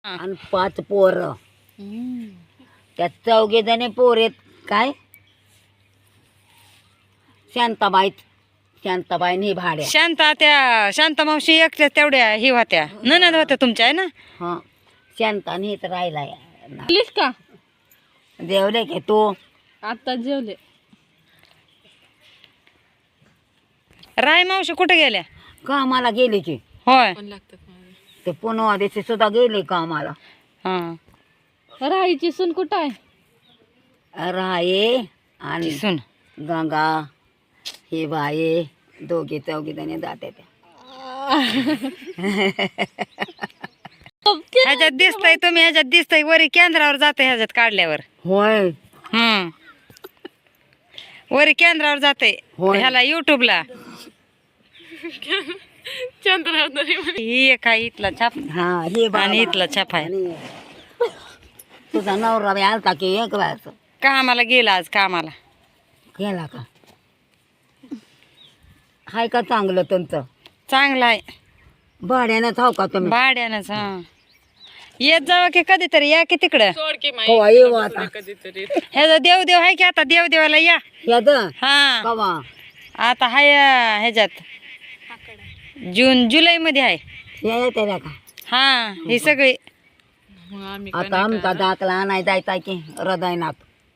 आणि 5 पोरं. त्यात 4 जण पोर आहेत. काय शांताबाई नाही भाड्या. शांता मावशी एकट्या तेवढ्या ही होत्या ननद होत्या तुमच्या आहे ना. हा शांता नीच राहिलाय. जेवलीस का? जेवले की तू? आता जेवले. राय मावशी कुठे गेल्या? कामाला गेली की. होय. ते पुन्हा दिवशी सुद्धा गेले कामाला. हा राहायची सून कुठं आहे? राये आणि सुन गंगा हे बाये 2-4 जणी जाते त्या. ह्याच्यात दिसतंय तुम्ही ह्याच्यात दिसतंय वरी केंद्रावर जाते ह्याच्यात काढल्यावर. होय वरी केंद्रावर जाते होय. ह्याला युट्यूबला. चंद्रावर ही एक आहे इथला छाप हा हे आणि इथला छाप आहे. आणि तुझा नवरा बी आलता की एक वेळाच कामाला गेला आज कामाला. केला का? हाय का चांगलं तुमचं? चांगला आहे भाड्यानं थाव का तुम्ही? भाड्यानंच. हा येत जावा की कधीतरी या की तिकडं. कवा येऊ आता? ह्याचा देवदेव आहे की आता देवदेवाला या. याद हा कवा? आता हाय ह्याच्यात जुलै मध्ये आहे. येते का? हा ही सगळी आता आमचा दाखला आणाय जायचा की हृदयनाथ.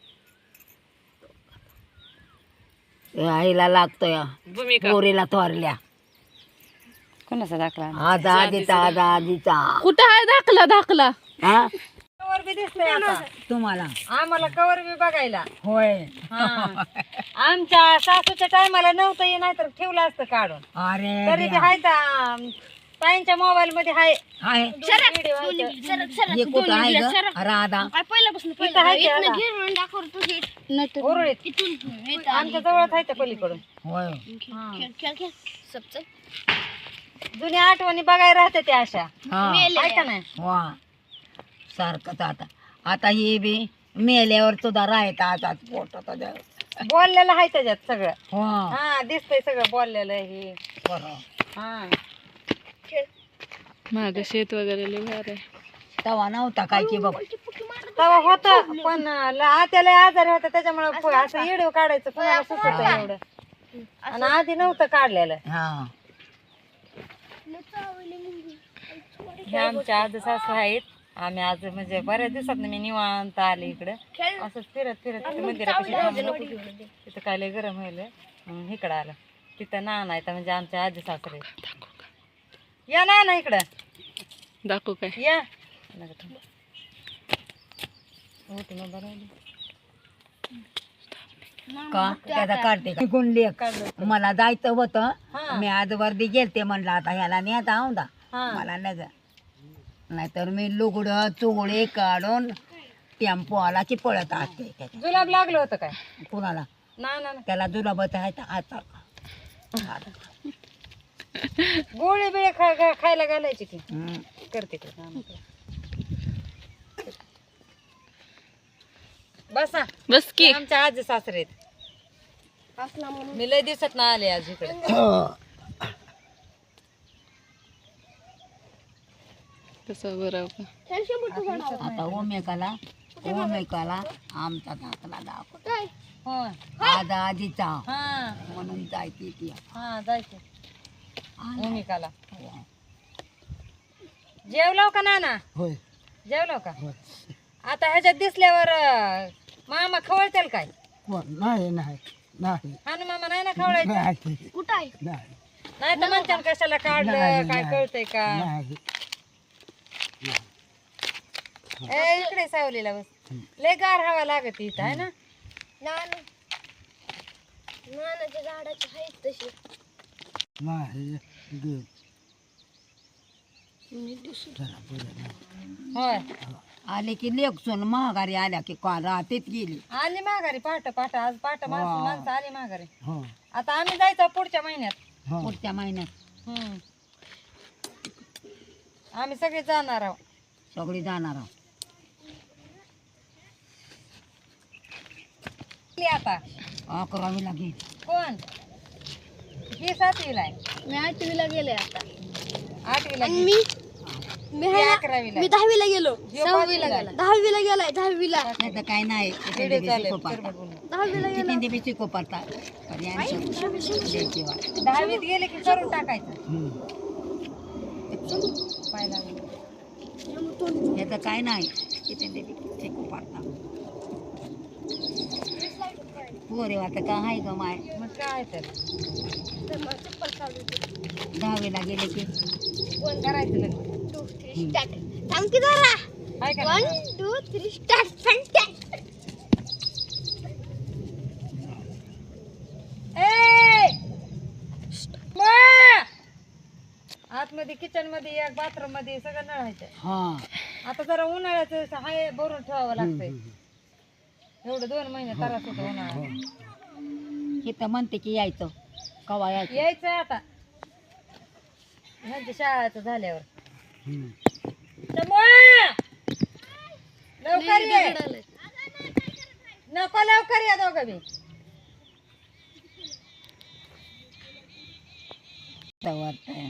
आईला लागतोय पोरीला थोरल्या. कोणाचा दाखला? आज आजीचा कुठं आहे दाखला? हा कवर बी दिसतंय आता तुम्हाला. आम्हाला कवर बी बघायला. होय. आमच्या सासूच्या टायमाला नव्हतं ये नाही तर ठेवलं असतं काढून. अरे तरी बी हाय ताईंच्या मोबाईल मध्ये हाय. हाय व्हिडिओ आहे तर. हे कुठं आहे ग राधा? इथं हाय ते आता. उरुळीत. आमच्या जवळच आहे त्या पलीकडून. होय. जुन्या आठवणी बघायला राहते त्या अशा. हा आहे का नाही? वा सारखंच आता ही बी मेल्यावर सुद्धा राहता आता पोट बोललेलं आहे त्याच्यात सगळं. हा हा दिसतंय सगळं बोललेलं हे. बरं. हा माग शेत वगैरे लय भारी आहे. तवा नव्हता काय की बाबा. तेव्हा होत पण आत्याला आजारी होता त्याच्यामुळे असं व्हिडिओ काढायचं कुणाला सुचत एवढं. आणि आधी नव्हतं काढलेलं. हा हे आमच्या आज सासू आहेत. आम्ही आज म्हणजे बऱ्याच दिवसात मी निवांत आले इकडं असंच फिरत मंदिरापाशी थांबलो. तिथं काय लय गरम व्हायला इकडं आलं. तिथं नाना आहे म्हणजे आमच्या आजी सासरे. या नाना इकडं दाखवू काय? या. का त्याचा काढते का? गुंडली मला जायचं होतं. मी आज वर्दी गेलते म्हणलं आता ह्याला नेता औंदा मला नाहीतर मी लुगडं चोळे काढून टेम्पो आला की पळत असते. जुलाब लागलं होतं काय कुणाला? ना त्याला जुलाबत आहे आता गोळी बिळे खायला घालायची की करते की. बसा बस की. आमच्या आजी सासरे मी लय दिवसात ना आले आज इकडे. तसं बरं का? आता ओमेकाला आमचा दाखला दाखव. होय आज आजीचा हा म्हणून जायची ती. हा जायचं भूमिकाला. जेवलो का नाना? होय. जेवलो का? आता ह्याच्यात दिसल्यावर मामा खवळतील काय? नाही हा ना मामा नाही ना खवळायचं. कुठं आहे? नाही तर म्हणते कशाला काढलं काय कळतंय का? ए इकडे सावलीला बस. लय गार हवा लागत इथं आहे ना. नानाच्या झाडाची आहेत तशी. होय आले की लेखसून महागारी आल्या की का राहतेच गेली. आली माघारी पहाट आज पहाट माणसं आली माघारी. आता आम्ही जायचं पुढच्या महिन्यात. पुढच्या महिन्यात आम्ही सगळे जाणार आहोत. सगळी जाणार आहोत. आता 11वी लागेल. कोण? ही 7वीला आहे. मी 8वीला गेले आता. 8वीला मी मी ती 11वीला मी 10वीला गेलो ह्यो 5वीला गेला. 10वीला गेलाय 10वीला नाही तर काय नाही व्हिडिओ चालू आहे, चिरमट बोलू. 10वीला गेलो किती बी शिको पडता द्यायची वा 10वीत गेले की करून टाकायचं पाय लागलं. याचं काय नाही किती बी शिको पडता पोरे आता का आहे का माय मग काय तर 10वीला गेले की करायचं लग्न थांब की जरा काय 1 करायचं 2 3 स्टार्ट फंटास्ट आतमध्ये किचन मध्ये एक बाथरूम मध्ये सगळं नळायचं. हा आता जरा उन्हाळ्याचं हाय भरून ठेवावं लागतंय. एवढं 2 महिने त्रास होतो उन्हाळ्यात. इथं म्हणते की यायचं कवा यायचं यायचं आता ह्यांच्या शाळेचं झाल्यावर. तमोया! लवकर ये नको लवकर या दोघं बी. वाटतंय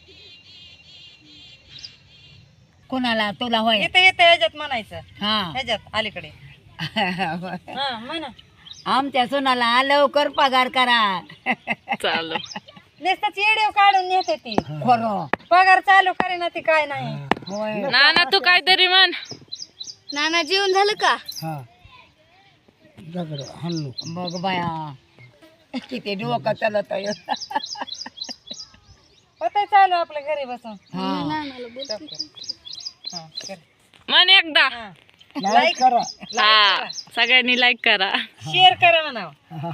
कोणाला तुला होय इथं येतं ह्याच्यात म्हणायचं हा ह्याच्यात अलीकडे हा म्हणा आमच्या सोनाला लवकर पगार करा चालू नुसतं चेडे काढून नेते ती खरं पगार चालू करे ना ती काय नाही. होय ना तू काहीतरी म्हण. नाना जेवण झालं का बघ बाया किती डोकं चालत आहे. होतंय चालू आपल्या घरी बसून. हा हा, कर. म्हण एकदा. हा. लाईक करा हा सगळ्यांनी लाईक करा. शेअर करा म्हणावं.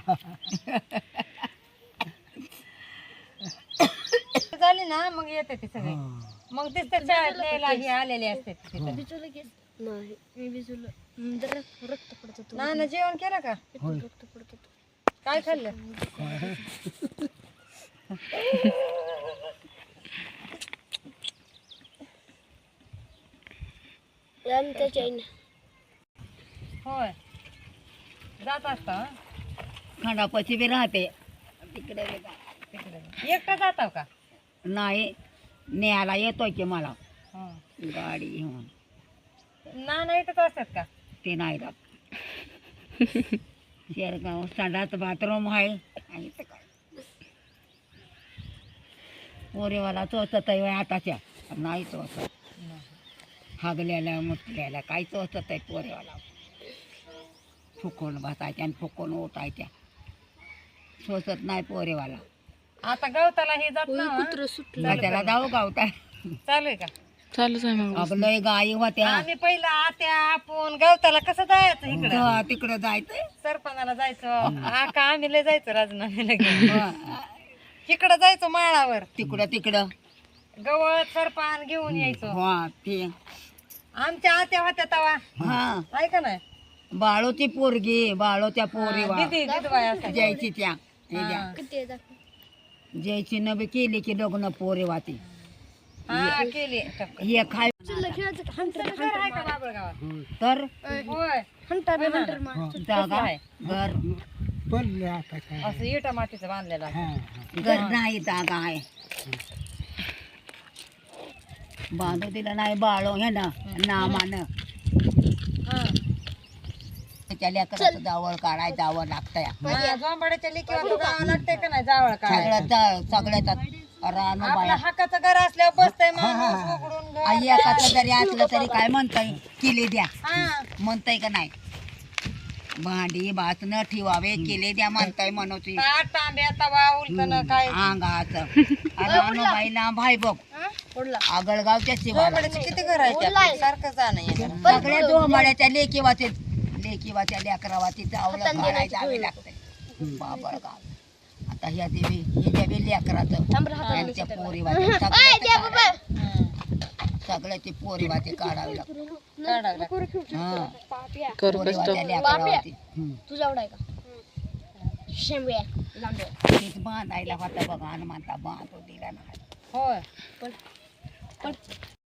झाली ना मग येते ती सगळी मग दिसते शाळेत न्यायला ही आलेली असते तिथं. भिजवलं की नाही मी भिजवलं जरा रक्त पडत होतं ना ना जेवण केलं का रक्त पडत होतं काय खाल्लं आमच्या चैन होय जात असता हं? खंडापाची बी राहते तिकडे बी जा. तिकडे एकटा जाताव का नाही न्यायला येतोय की मला हं. गाडी घेऊन ना ना इथंच असतात का ते नाही राहत शेरगाव संडास बाथरूम आहे आणि इथं काय पोरेवाला चोचत आहे आताच्या नाही चोचत हागल्याला मुतल्याला काय चोचत आहे पोरेवाला फुकून बसायच्या आणि फुकून उठायच्या सोचत नाही पोरेवाला आता गवताला हे जात ना हं? कुत्र सुटलं का त्याला जाऊ गावता चालू आहे का चालूच आहे मग. अगं लय गाई होत्या आम्ही पहिला आत्या आपण गवताला कसं जायचं इकडं तिकडं जायचंय सरपणाला जायचं आका आम्ही लय जायचं राजनामेला घेऊन इकडं जायचो माळावर तिकडं तिकडं गवत सरपान घेऊन यायचो हा ते आमच्या आत्या होत्या तवा हा ऐका नाही बाळोची पोरगी बाळोच्या पोरी दिदी दिदबाई असायच्या. जयची त्या हा. किती आहे दाखव. जयची नबी केली की लग्न पोरे वाती हा केली हे खाय चिल्ला खेळायचं का? हंटर घर आहे का बाबळगावात तर होय हंटर मार जागा आहे. घर असं इटा मातीचं बांधलेलं आहे. घर नाही जागा आहे बांधू दिलं नाही बाळो हे ना नामानं हा. त्याच्या लेकराचं जावळ काढाय जावं लागतंय हा, जोंबाड्याच्या लेकीवर तो गावा लागतंय का नाही जावळ काय सगळ्याचा रानू आपलं बाया हक्काचं घर असल्यावर बसतंय माणूस उघडून घर. आई एकाचं जरी असलं तरी काय म्हणताय किले द्या हा. म्हणताय का नाही भांडी बासनं ठेवावे केले द्या म्हणताय मनोची ताट तांब्या तवा उलटणं काय अंगाचं रानू बाईला भाई बघ आगळगावच्या शिवाला जोंबाड्याचे किती घर आहे आपलं? सारखं जाणं येणं. सगळ्या दोमाड्याच्या लेकीवाच्या लेकरावाची चावलं काढायला जावे लागतंय बाबळगाव आता ह्या देवी ह्याच्या बी लेकराचं यांच्या पोरीवाच्या सगळ्याची पोरीवाची काढावी लागते काढावं लागतं. हा कर पोरीवाच्या लेकरावाची तुझा आवडाय का शेंबे लांबे तेच बांधायला होता बघा हनुमंता बांधू दिला नाही होय